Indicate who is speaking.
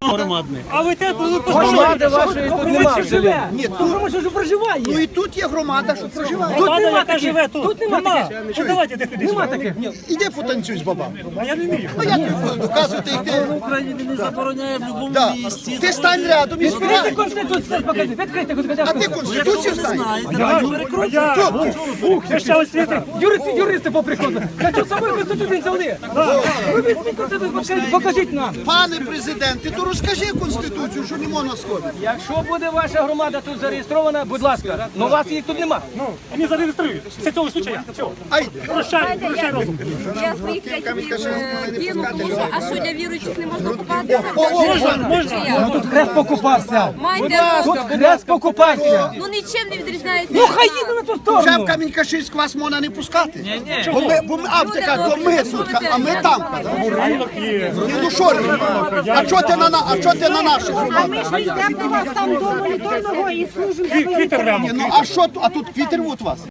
Speaker 1: громадне.
Speaker 2: А ви те, коли
Speaker 3: Громади вашої тут немає.
Speaker 4: живе.
Speaker 3: Ні, тут
Speaker 4: Громада що проживає.
Speaker 3: ну і тут є громада, що проживає.
Speaker 2: Влада,
Speaker 4: нема
Speaker 2: яка
Speaker 4: таких.
Speaker 2: живе тут.
Speaker 4: Тут нема таких.
Speaker 2: Ну давайте де кудись.
Speaker 4: Нема таких.
Speaker 3: Іди потанцюй з бабами.
Speaker 2: А я не вмію.
Speaker 3: Ну я тобі буду доказувати, як ти.
Speaker 1: Україні не забороняє в будь-якому
Speaker 3: Да.
Speaker 1: місці.
Speaker 3: Ти стань рядом і
Speaker 4: Відкрийте
Speaker 3: співай.
Speaker 4: Конституцію, покажи. Відкрийте
Speaker 3: А ти
Speaker 4: Конституцію.
Speaker 3: Конституцію стань.
Speaker 2: Я ще освіти.
Speaker 4: Юристи поприходили. Я що собою Конституцію не взяли? Ви візьміть Конституцію, покажіть нам.
Speaker 3: Пане президент, ти то розкажи Конституцію, що не можна сходити.
Speaker 4: Якщо буде ваша громада тут зареєстрована, будь ласка, але вас їх тут нема.
Speaker 2: Ну, вони зареєструють. Це цього случая. Все.
Speaker 3: Ай,
Speaker 2: Прощай, прощай розум.
Speaker 5: Я своїх кину, тому що, а що для віруючих не можна купатися?
Speaker 2: Можна.
Speaker 4: Тут хрест покупався.
Speaker 5: Майте
Speaker 4: Тут
Speaker 5: розум.
Speaker 4: хрест покупався.
Speaker 5: Ну нічим не відрізняється.
Speaker 4: Ну хай їде на ту
Speaker 3: вже
Speaker 4: сторону.
Speaker 3: в Камінь-Каширськ вас можна не пускати.
Speaker 1: Ні.
Speaker 3: Бо ми, а ти кажеш, то ми тут, а ми там.
Speaker 2: Є.
Speaker 3: Ну що робимо? А чого ти на наших громадах?
Speaker 6: Ми ж йдемо до вас там до моніторного і служимо.
Speaker 2: Квітер прямо.
Speaker 3: Ну а що, а тут квітер от вас?